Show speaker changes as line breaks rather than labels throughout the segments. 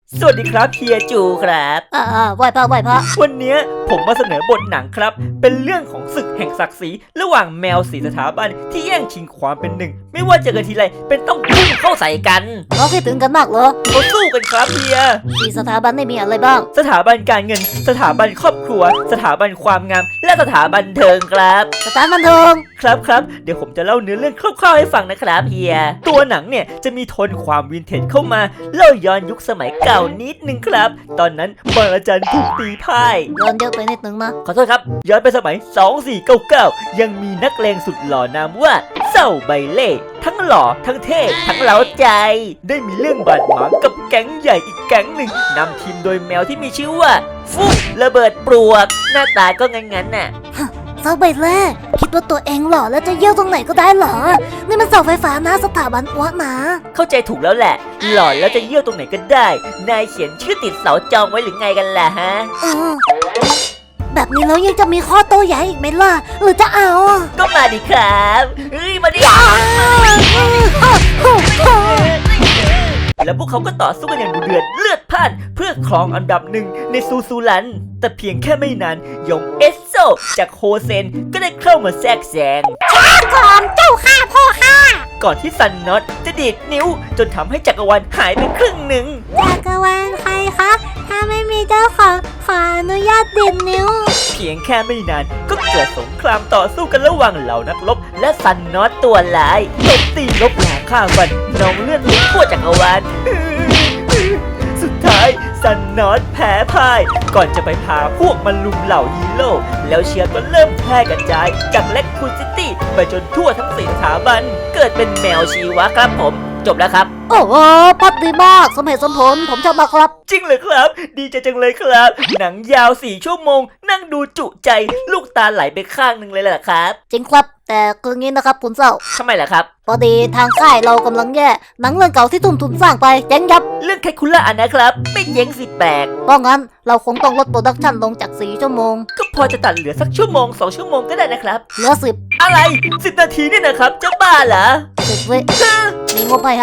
สวัสดีครับเฮียจูครับ
ไหวพระ
วันนี้ผมมาเสนอบทหนังครับเป็นเรื่องของศึกแห่งศักดิ์ศรีระหว่างแมวสีสถาบันที่แย่งชิงความเป็นหนึ่งไม่ว่าเจอกันทีไรเป็นต้องพุ่งเข้าใส่กัน
เราคิดถึงกันมากเหรอ
เขาสู้กันครับเฮีย
สี่สถาบันได้มีอะไรบ้าง
สถาบันการเงินสถาบันครอบครัวสถาบันความงามและสถาบันเทิงครับ
สถาบันเทิง
ครับเดี๋ยวผมจะเล่าเนื้อเรื่องคร่าวๆให้ฟังนะครับเฮียตัวหนังเนี่ยจะมีโทนความวินเทจเข้ามาเล่าย้อนยุคสมัยเก่านิดนึงครับตอนนั้นบางอาจารย์ถูกตีพ่าย
ย้อนเยอะไปนิดนึงนะ
ขอโทษครับย้อนไปสมัย2499ยังมีนักเลงสุดหล่อนามว่าเศร้าใบเล่ทั้งหล่อทั้งเท่ทั้งเล้าใจได้มีเรื่องบาดหมางกับแก๊งใหญ่อีกแก๊งหนึ่งนำทีมโดยแมวที่มีชื่อว่าฟุกระเบิดปลวกหน้าตาก็งั้นน่ะ
เสาใบเล่คิดว่าตัวเองหล่อแล้วจะเยี่ยวตรงไหนก็ได้เหรอนี่มันเสาไฟฟ้านะสถาบันอ้วกนะ
เข้าใจถูกแล้วแหละหล่อแล้วจะเยี่ยวตรงไหนก็ได้นายเขียนชื่อติดเสาจองไว้หรือไงกันล่ะฮะ
แบบนี้แล้วยังจะมีข้อโต้แย้งอีกไหมล่ะหรือจะเอา
ก็มาดิครับมาดิแล้วพวกเขาก็ต่อสู้กันอย่างดุเดือดเลือดพล่านเพื่อครองอันดับหนึ่งในซูลันแต่เพียงแค่ไม่นานยงเอสโซจากโฮเซนก็ได้เข้ามาแทรกแซง
ช้าก่อนเจ้าข้าพ่อข้า
ก่อนที่ซันน็อตจะดีดนิ้วจนทำให้จักรวาลหายไปครึ่งหนึ่ง
จักรวาลใครคะถ้าไม่มีเจ้าของขออนุญาตดีดนิ้ว
เพียงแค่ไม่นานก็เกิดสงครามต่อสู้กันระหว่างเหล่านักรบและซันน็อตตัวร้ายตบตีลบหลาฆ่าฟันนองเลือดลุกทั่วจักรวาลสุดท้ายซันน็อตแพ้พ่ายก่อนจะไปพาพวกมันลุมเหล่าฮีโร่แล้วเชื้อก็เริ่มแพร่กระจายจากแล็กคูซิตี้ไปจนทั่วทั้ง4สถาบันเกิดเป็นแมวชีวะครับผมจบแล้วครับ
โอ้โหพอดดีมากสมเหตุสมผลผมชอบมากครับ
จริงเลยครับดีใจจังเลยครับหนังยาว4 ชั่วโมงนั่งดูจุใจลูกตาไหลไปข้างหนึ่งเลยแหละครับ
จริงครับแต่คืองี้นะครับคุณเศร้า
ทำไมล่ะครับ
พอดีทางค่ายเรากำลังแย่หนังเรื่องเก่าที่ทุ่มทุนสร้างไปเจ๊งยับ
เรื่องแคคูล่านะครับไม่เจ๊งสิแปลก
เพราะงั้นเราคงต้องลดโปรดักชันลงจาก4 ชั่วโมง
ก็พอจะตัดเหลือสักชั่วโมง2 ชั่วโมงก็ได้นะครับ
เหลือ10
อะไร10 นาทีนี่นะครับจะบ้าเหรอ
10 วิมีงบให้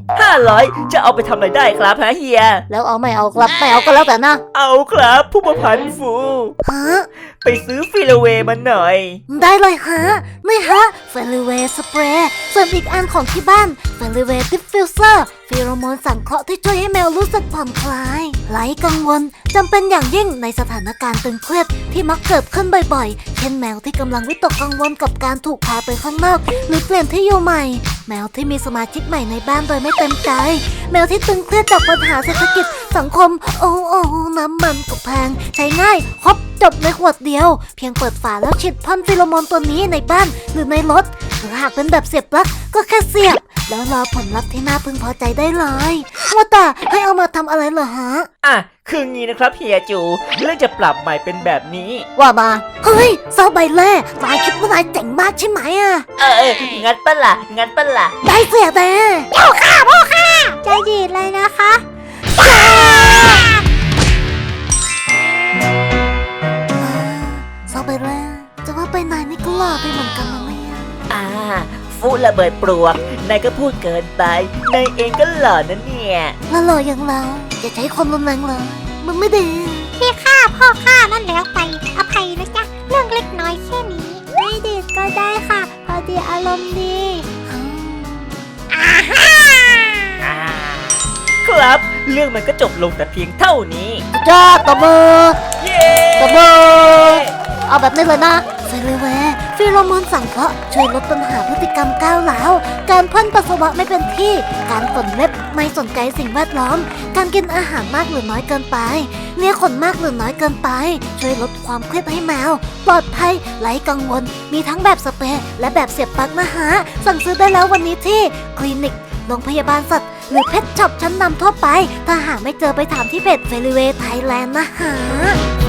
500จะเอาไปทำอะไรได้ครับฮะเฮีย
แล้วเอาไม่เอาครับไม่เอาก็แล้วแต่นะ
เอาครับผู้ประพันธ์ฟู
ฮะ
ไปซื้อฟิลเวย์มาหน่อย
ได้เลยฮะนี่ฮะฟิลเวย์สเปรย์ส่วนอีกอันของที่บ้านฟิลเวย์ดิฟฟิวเซอร์ฟีโรโมนสังเคราะห์ที่ช่วยให้แมวรู้สึกผ่อนคลายไร้กังวลจำเป็นอย่างยิ่งในสถานการณ์ตึงเครียดที่มักเกิดขึ้นบ่อยๆเช่นแมวที่กำลังวิตกกังวลกับการถูกพาไปข้างนอกหรือเปลี่ยนที่อยู่ใหม่แมวที่มีสมาชิกใหม่ในบ้านโดยไม่เต็มใจแมวที่ตึงเครียดจากปัญหาเศรษฐกิจสังคมโอ้น้ำมันก็แพงใช้ง่ายครบจบในขวดเดียวเพียงเปิดฝาแล้วฉีดพ่นฟีโรโมนตัวนี้ในบ้านหรือในรถหรือหากเป็นแบบเสียบปลั๊กก็แค่เสียบแล้วรอผลลัพธ์ที่น่าพึงพอใจได้เลยว่าแต่ให้เอามาทำอะไรเหรอฮะ
คืองี้นะครับเฮียจูเรื่องจะปรับใหม่เป็นแบบนี้
ว่ามาเฮ้ยเซาใบเล่นายคิดว่านายเจ๋งมากใช่ไหม
งั้นปะล่ะ
ได้เสียแต่เจ้าข้าพ่อข้าใจดีเลยนะคะเซาใบเล่จะว่าไปนายนี่ก็หล่อไปเหมือนกันนะเนี่ย
ฟูระเบิดปลวกนายก็พูดเกินไปนายเองก็หล่อนะเนี่ย
แล้วหล่ออย่างเราอย่าใช้ความรุนแรงเลยมันไม่ดีพี่ข้าพ่อข้านั่นแล้วไปอภัยนะจ๊ะเรื่องเล็กน้อยแค่นี้ไม่ดีก็ได้ค่ะพอดีอารมณ์ดี
ครับเรื่องมันก็จบลงแต่เพียงเท่านี้
จ้าตบมือ
เย้
ตบมือเอาแบบนี้เลยนะฟิลเวย์ฟีโรโมนสังเคราะห์ช่วยลดปัญหาพฤติกรรมก้าวร้าวการพ่นปัสสาวะไม่เป็นที่การขนเล็บไม่สนใจสิ่งแวดล้อมการกินอาหารมากหรือน้อยเกินไปเลียขนมากหรือน้อยเกินไปช่วยลดความเครียดให้แมวปลอดภัยไร้กังวลมีทั้งแบบสเปรย์และแบบเสียบปลั๊กนะฮะสั่งซื้อได้แล้ววันนี้ที่คลินิกโรงพยาบาลสัตว์หรือเพชช็อปชั้นนำทั่วไปถ้าหาไม่เจอไปถามที่เพจเฟลิเวย์ไทยแลนด์นะฮะ